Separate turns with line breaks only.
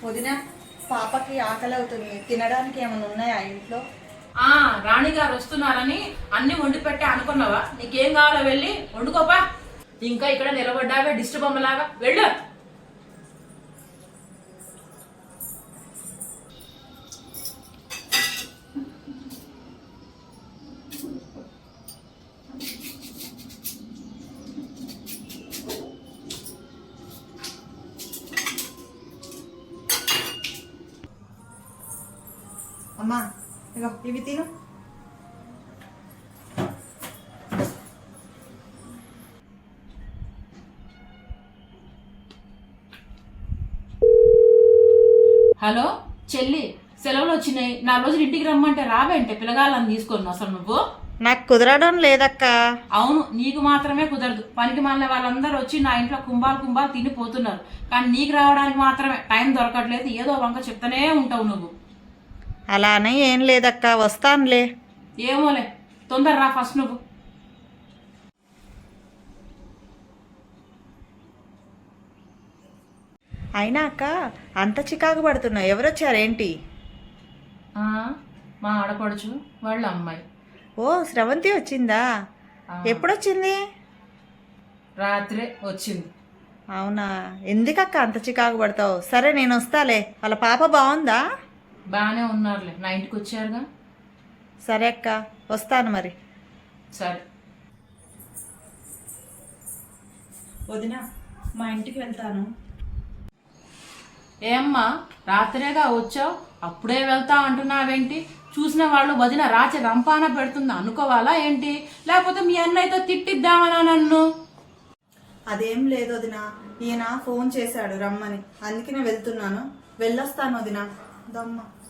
వదిన, పాపకి ఆకలి అవుతుంది. తినడానికి ఏమైనా ఉన్నాయా ఇంట్లో?
రాణిగారు వస్తున్నారని అన్ని వండి పెట్టే అనుకున్నావా? నీకేం కావాలో వెళ్ళి వండుకోపా. ఇంకా ఇక్కడ నిలబడ్డావే డిస్టర్బ్ అమ్మలాగా, వెళ్ళు.
అమ్మా, ఇగో ఇవి తిను.
హలో చెల్లి, సెలవులు వచ్చినాయి, 4 రోజులు ఇంటికి రమ్మంటే రావేంటే పిల్లగాళ్ళని తీసుకొని అసలు నువ్వు?
నాకు కుదరడం లేదక్క.
అవును, నీకు మాత్రమే కుదరదు. పనికి మాలిన వాళ్ళందరూ వచ్చి నా ఇంట్లో కుంభాలు తినిపోతున్నారు, కానీ నీకు రావడానికి మాత్రమే టైం దొరకట్లేదు. ఏదో వంక చెప్తానే ఉంటావు నువ్వు.
అలానే ఏం లేదక్క, వస్తానులే.
ఏమోలే, తొందర రా ఫస్ట్ నువ్వు.
అయినా అక్క, అంత చికాకు పడుతున్నావు, ఎవరొచ్చారేంటి?
మా ఆడపడుచు వాళ్ళ అమ్మాయి.
ఓ, స్రవంతి వచ్చిందా? ఎప్పుడొచ్చింది?
రాత్రే వచ్చింది.
అవునా? ఎందుకక్క అంత చికాకు పడతావు? సరే, నేను వస్తాలే. వాళ్ళ పాప బాగుందా?
బాగానే ఉన్నారులే, నా ఇంటికి వచ్చారుగా.
సరే అక్క, వస్తాను మరి.
సరే
వదిన, మా ఇంటికి వెళ్తాను.
ఏమ్మా, రాత్రేగా వచ్చావు, అప్పుడే వెళ్తా అంటున్నావేంటి? చూసిన వాళ్ళు వదిన రాచి రంపాన పెడుతుంది అనుకోవాలా ఏంటి? లేకపోతే మీ అన్నయ్యతో తిట్టిద్దామనా నన్ను?
అదేం లేదు వదిన, ఈయన ఫోన్ చేశాడు రమ్మని, అందుకనే వెళ్తున్నాను. వెళ్ళొస్తాను వదిన. దమ్మ.